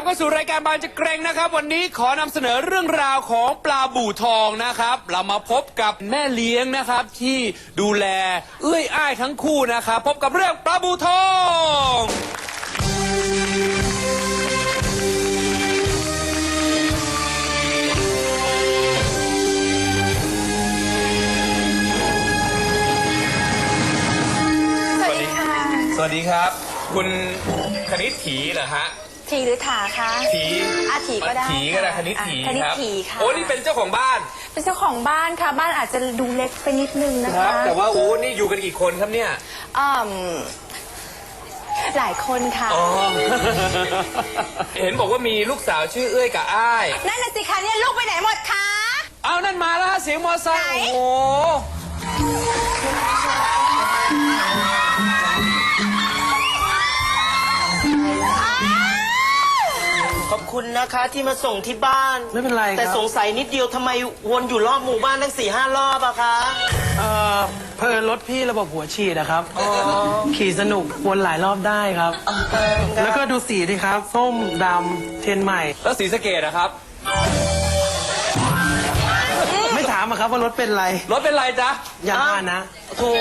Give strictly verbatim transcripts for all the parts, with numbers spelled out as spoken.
เข้าสู่รายการบานจะเกรงนะครับวันนี้ขอนำเสนอเรื่องราวของปลาบู่ทองนะครับเรามาพบกับแม่เลี้ยงนะครับที่ดูแลเอื้อยอ้ายทั้งคู่นะครับพบกับเรื่องปลาบู่ทองสวัสดีค่ะสวัสดีครับคุณคณิตถีเหรอฮะถีหรือถาคะถีอาถีก็ได้ถีก็ได้คณิตถีคณิตครับถีค่ะโอ้นี่เป็นเจ้าของบ้านเป็นเจ้าของบ้านค่ะบ้านอาจจะดูเล็กไปนิดนึงนะครัคะบแต่ว่าโอ้นี่อยู่กันกี่คนครับเนี่ยอืมหลายคนค่ะอ๋อ เห็นบอกว่ามีลูกสาวชื่อเอ้ยกับอ้ายนั่นน่ะสิคะเนี่ยลูกไปไหนหมดคะเอานั่นมาแล้วฮะเสียงมอไซค์โอ้โหขอบคุณนะคะที่มาส่งที่บ้านไม่เป็นไรครับแต่สงสัยนิดเดียวทำไมวนอยู่รอบหมู่บ้านทั้งสี่ห้ารอบอะคะเอ่อเพลินรถพี่ระบบหัวฉีดนะครับขี่สนุกวนหลายรอบได้ครับ แล้วก็ดูสีดิครับ ส้มดำเทียนใหม่แล้วสีสะเกดนะครับไม่ถามอะครับว่ารถเป็นไรรถเป็นไรจ๊ะอย่ามานะโธ่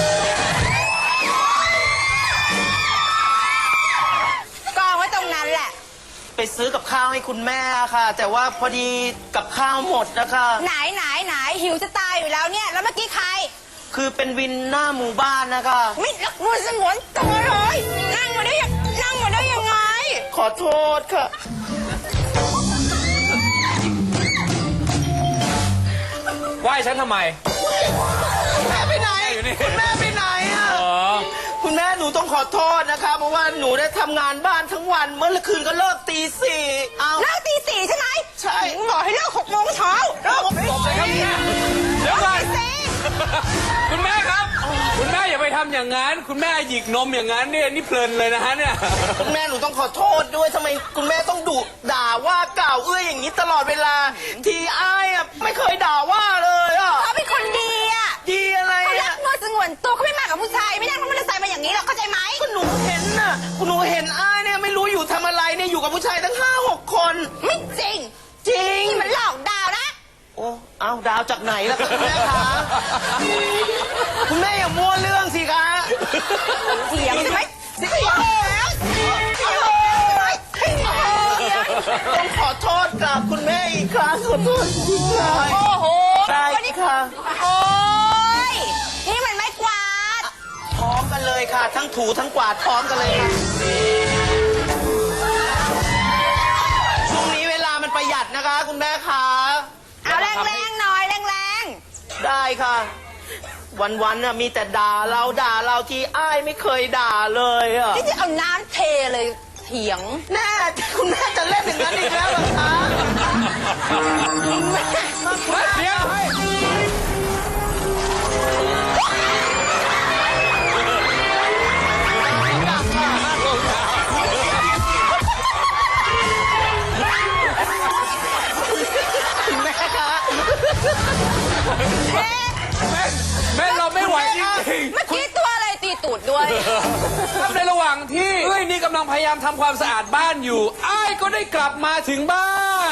กองไว้ตรงนั้นแหละไปซื้อกับข้าวให้คุณแม่ค่ะ แต่ว่าพอดีกับข้าวหมดนะคะไหนไหนไหนหิวจะตายอยู่แล้วเนี่ยแล้วเมื่อกี้ใครคือเป็นวินหน้าหมู่บ้านนะคะไม่รักมือสงวนตัวเลยนั่งมาได้ยังนั่งมาได้ยังไงขอโทษค่ะไหว้ฉันทำไมคุณแม่ไปไหนคุณแม่ไปไหนอ่ะคุณแม่หนูต้องขอโทษนะคะเพราะว่าหนูได้ทำงานบ้านทั้งวันเมื่อคืนก็เลิกตีสี่เอาเลิกตีสี่ใช่ไหมใช่บอกให้เลิกหกโมงเช้าเลิกหกโมงเช้าเดี๋ยวก่อนคุณแม่ครับคุณแม่อย่าไปทำอย่างนั้นคุณแม่หยิกนมอย่างนั้นเนี่ยนี่เพลินเลยนะฮะเนี่ยคุณแม่หนูต้องขอโทษด้วยทำไมคุณแม่ต้องดุด่าว่ากล่าวเอื้ออย่างนี้ตลอดเวลาทีอ้ายอ่ะไม่เคยด่าว่าเลยอ่ะเขาเป็นคนดีอ่ะดีอะไรเขารักมือสงวนตัวเขาไม่มากับผู้ชายไม่นั่งรถมอเตอร์ไซค์มาอย่างนี้หรอกเข้าใจไหมก็หนูเห็นน่ะหนูเห็นอ้ายเนี่ยไม่รู้อยู่ทำอะไรเนี่ยอยู่กับผู้ชายตั้งห้าหกคนไม่จริงจริงนี่มันหลอกดาวนะโอ้เอาดาวจากไหนล่ะคุณแม่คะคุณแม่อย่ามั่วเรื่องสิคะเถียงใช่ไหมเถียงแล้วต้องขอโทษกับคุณแม่อีกครั้งขอโทษจริงๆเลยโอ้โหใช่ค่ะโอ้ยนี่มันไม่กวาดพร้อมกันเลยค่ะทั้งถูทั้งกวาดพร้อมกันเลยค่ะช่วงนี้เวลามันประหยัดนะคะคุณแม่คะเอาแรงๆหน่อยแรงๆได้ค่ะวันๆน่ะมีแต่ด่าเราด่าเราที่อ้ายไม่เคยด่าเลยอ่ะที่จะเอาน้ำเทเลยเถียงแน่คุณแม่จะเล่นอย่างนั้นอีกแล้วเหรอคะเดี๋ยวแม่เราไม่ไหวจริงๆเมื่อกี้ตัวอะไรตีตูดด้วยครับในระหว่างที่เอ้ยนี่กำลังพยายามทำความสะอาดบ้านอยู่อ้ายก็ได้กลับมาถึงบ้าน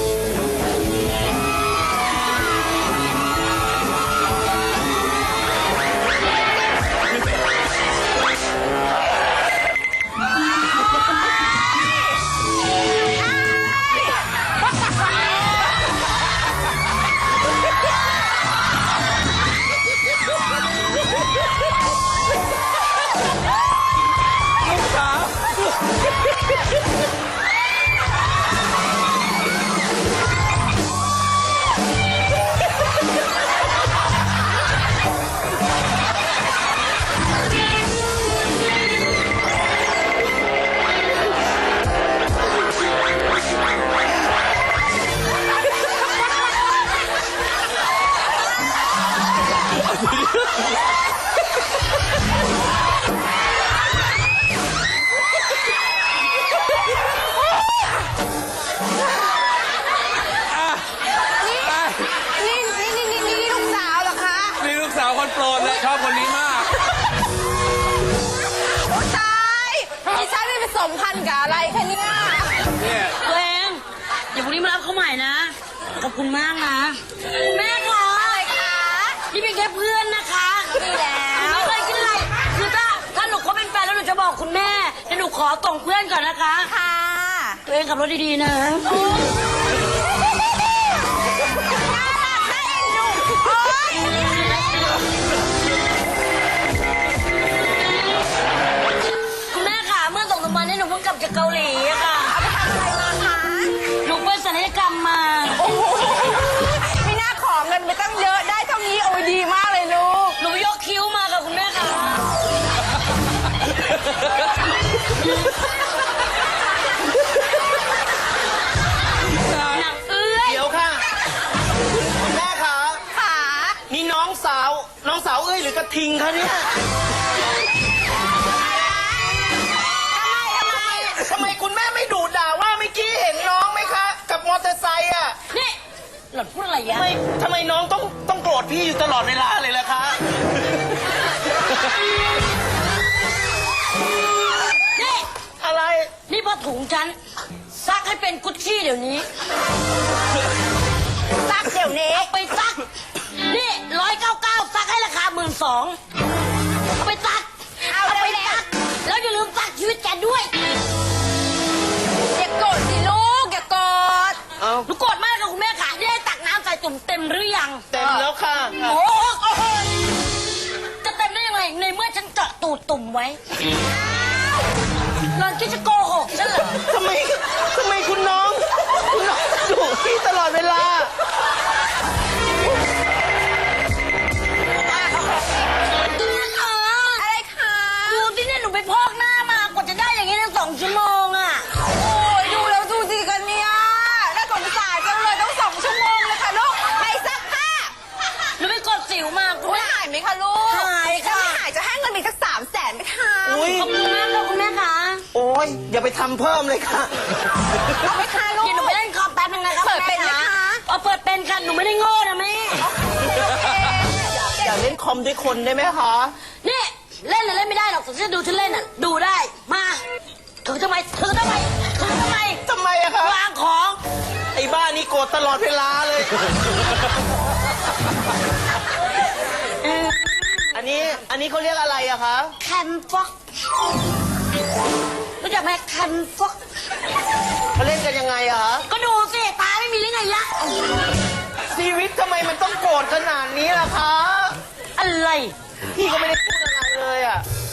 คนโปรดเลยชอบคนนี้มากตายดิฉันไม่ไปสมพันธ์กับอะไรแค่นี้เนี่ยตัวเองเดี๋ยวพรุ่งนี้มารับเขาใหม่นะ ขอบคุณมากนะคุณแม่คะอะไรคะนี่เป็นแค่เพื่อนนะคะดีแล้วไม่เคยคิดอะไรคือถ้าถ้าหนูเขาเป็นแฟนแล้วหนูจะบอกคุณแม่เดี๋ยวหนูขอส่งเพื่อนก่อนนะคะค่ะตัวเองขับรถดีๆนะคุณแม่ค่ะเมื่อสองสามวันนี้หนูเพิ่งกลับจากเกาหลีอะค่ะหนูไปศัลยกรรมมาไม่น่าขอเงินไปตั้งเยอะได้เท่านี้โอ้ยดีมากเลยลูกหนูยกคิ้วมาค่ะคุณแม่ค่ะหนังเอื้อยเดี๋ยวค่ะ คุณแม่คะขานี่น้องสาว น้องสาวเอ้ยหรือกระทิงคะเนี่ยทำไมคุณแม่ไม่ดุด่าว่าเมื่อกี้เห็นน้องไหมคะ กับมอเตอร์ไซค์อ่ะนี่หล่อนพูดอะไรยะทำไมทำไมน้องต้องต้องโกรธพี่อยู่ตลอดเวลาเลยล่ะคะนี่อะไรนี่พอถุงฉันซักให้เป็นกุชชี่เดี๋ยวนี้ซักเดี๋ยวนี้เอาไปซัก นี่ร้อยเก้าเก้าซักให้ราคาหมื่นสองเอาไปซักเอาไปเร็วๆซัก แล้วอย่าลืมซักชีวิตแกด้วยอย่าโกรธสิลูกอย่าโกรธเอาหนูโกรธมากค่ะคุณแม่ค่ะนี่ได้ตักน้ำใส่ตุ่มเต็มหรือยังเต็มแล้วค่ะโอ้โหจะเต็มได้ยังไงในเมื่อฉันเจาะตูดตุ่มไว้หลอนคิดจะโกหกฉันเหรอทำไมทำไมคุณน้อง คุณน้องดุพี่ตลอดเวลาอะไรคะดูที่เนี่ยหนูไปพอกหน้ามากว่าจะได้อย่างนี้ตั้งสองชั่วโมงอ่ะโอ้ยดูแล้วดูสิกันเนี่ยน่าสงสารจังเลยต้องสองชั่วโมงเลยค่ะลูกไปซักผ้าหนูไปกดสิวมาคุณไม่แม่หายไหมคะลูกหายค่ะถ้าไม่หายจะให้เงินอีกสักสามแสนไหมคะอุ้ยขอบคุณมากค่ะคุณแม่ค่ะโอ้ยอย่าไปทำเพิ่มเลยค่ะเอาไหมคะลูกเดี๋ยวหนูไปเล่นคอมแป๊บนึงนะคะเปิดเป็นไหมคะเอาเปิดเป็นค่ะหนูไม่ได้โง่นะแม่อย่าเล่นคอมด้วยคนได้ไหมคะนี่เล่นน่ะเล่นไม่ได้หรอกแต่ฉันดูฉันเล่นอ่ะดูได้มาถือทำไมถือทำไมถือทำไมทำไมอะคะวางของไอ้บ้านี่โกรธตลอดเวลาเลย อันนี้ อันนี้เขาเรียกอะไรอะคะแคนฟ็อกรู้จักไหมแคนฟ็อกเขาเล่นกันยังไงอะคะก็ดูสิตาไม่มีหรือไงยะชีวิตทำไมมันต้องโกรธขนาดนี้ล่ะคะอะไรพี่ก็ไม่ได้พูดอะไรเลยอะ